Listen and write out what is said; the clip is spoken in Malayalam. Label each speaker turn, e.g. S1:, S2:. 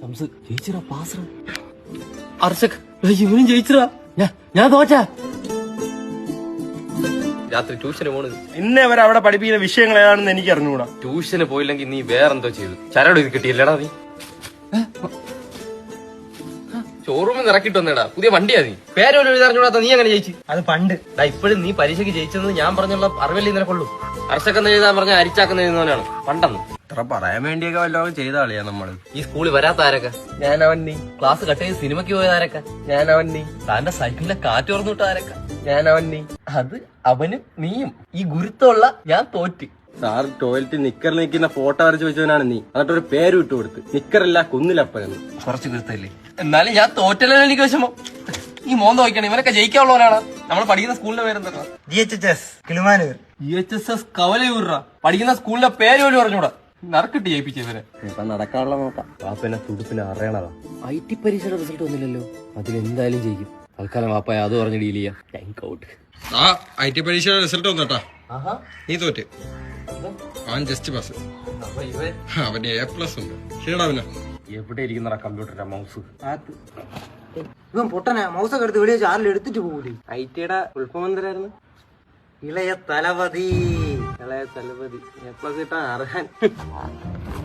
S1: ജയിച്ചിരാ പാസ് അർഷക് ഇവനും ജയിച്ചിരാ ഞാൻ തോറ്റ രാത്രി ട്യൂഷന് പോണത്
S2: ഇന്നേ വരെ അവിടെ പഠിപ്പിക്കുന്ന വിഷയങ്ങൾ ഏതാണെന്ന് എനിക്ക് അറിഞ്ഞുകൂടാ.
S1: ട്യൂഷന് പോയില്ലെങ്കിൽ നീ വേറെന്തോ ചെയ്തു. ചരട് ഇത് കിട്ടിയില്ലടാ നീ. ഷോറൂമിൽ ഇറക്കിട്ട് വന്നേടാ. പുതിയ വണ്ടിയാ നീ. പേരോലും എഴുതാറിഞ്ഞൂടാത്ത നീ അങ്ങനെ ജയിച്ചു.
S3: അത് പണ്ട്.
S1: ഇപ്പോഴും നീ പരീക്ഷയ്ക്ക് ജയിച്ചെന്ന് ഞാൻ പറഞ്ഞുള്ള അറിവല്ലേ നിനക്കുള്ളൂ. അർഷക്കെന്ന് എഴുതാൻ പറഞ്ഞ അരിച്ചാക്കുന്ന എഴുതുന്നവനാണ് പണ്ടെന്ന്.
S2: ഇത്ര പറയാൻ വേണ്ടിയൊക്കെ വല്ലതും ചെയ്ത കളിയാ നമ്മള്.
S1: ഈ സ്കൂളിൽ വരാത്ത ആരൊക്കെ?
S2: ഞാനവൻ നീ.
S1: ക്ലാസ് കട്ട് ചെയ്ത് സിനിമയ്ക്ക് പോയത് ആരൊക്കെ?
S2: ഞാനവൻ നീ.
S1: താന്റെ സൈക്കിളിലെ കാറ്റ് തുറന്നിട്ട് ആരൊക്കെ?
S2: ഞാനവൻ നീ.
S1: അത് അവനും നീയും. ഈ ഗുരുത്തമുള്ള ഞാൻ തോറ്റ്.
S2: സാർ ടോയ്ലറ്റിൽ നിക്കറിൽ നിൽക്കുന്ന ഫോട്ടോ വരച്ച് വെച്ചവനാണ് നീ. എന്നിട്ട് ഒരു പേര് വിട്ടു കൊടുത്ത് നിക്കറില്ല കുന്നിലപ്പനെന്ന്.
S1: കുറച്ച് ഗുരുത്തല്ലേ. എന്നാലും ഞാൻ തോറ്റല്ലോ എനിക്ക് വിഷമം. ഈ മോന്ത വയ്ക്കണം. ഇവനൊക്കെ ജയിക്കാനുള്ളവനാണ്. നമ്മൾ പഠിക്കുന്ന സ്കൂളിന്റെ പേരെന്താ?
S3: GHS കിളിമാനൂർ.
S1: GHS കവലയൂറാ. പഠിക്കുന്ന സ്കൂളിന്റെ പേര് പോലും പറഞ്ഞൂടാ. നറുക്കിട്ട് ജയിപ്പിച്ച ഇവരെ.
S2: ഇപ്പൊ നടക്കാനുള്ള നോക്കാം.
S1: വാപ്പനെ തുടുപ്പിനെ അറിയണതാ. IT പരീക്ഷയുടെ റിസൾട്ട് വന്നില്ലല്ലോ. അതിലെന്തായാലും ജയിക്കും. തൽക്കാലം വാപ്പ അത് പറഞ്ഞ് ഡീൽ ചെയ്യാം. Thank out.
S4: IT പരീക്ഷയുടെ റിസൾട്ട് വന്നോട്ടാ. നീ തോറ്റ്. അവൻ ജസ്റ്റ് പാസ്. അവന് A+ ഉണ്ട്. ശരിടാ. അവന്
S1: എവിടെ ഇരിക്കുന്ന കമ്പ്യൂട്ടറിന്റെ മൗസ്?
S3: ഇവൻ പൊട്ടനാ. മൗസൊക്കെ എടുത്ത് വെളിയെ ആരിൽ എടുത്തിട്ട് പോകൂലേ.
S2: ഐറ്റിയുടെ ഉൾപ്പം എന്തരായിരുന്നു?
S3: ഇളയ തലപതി.
S2: A+ കിട്ടാൻ അർഹൻ.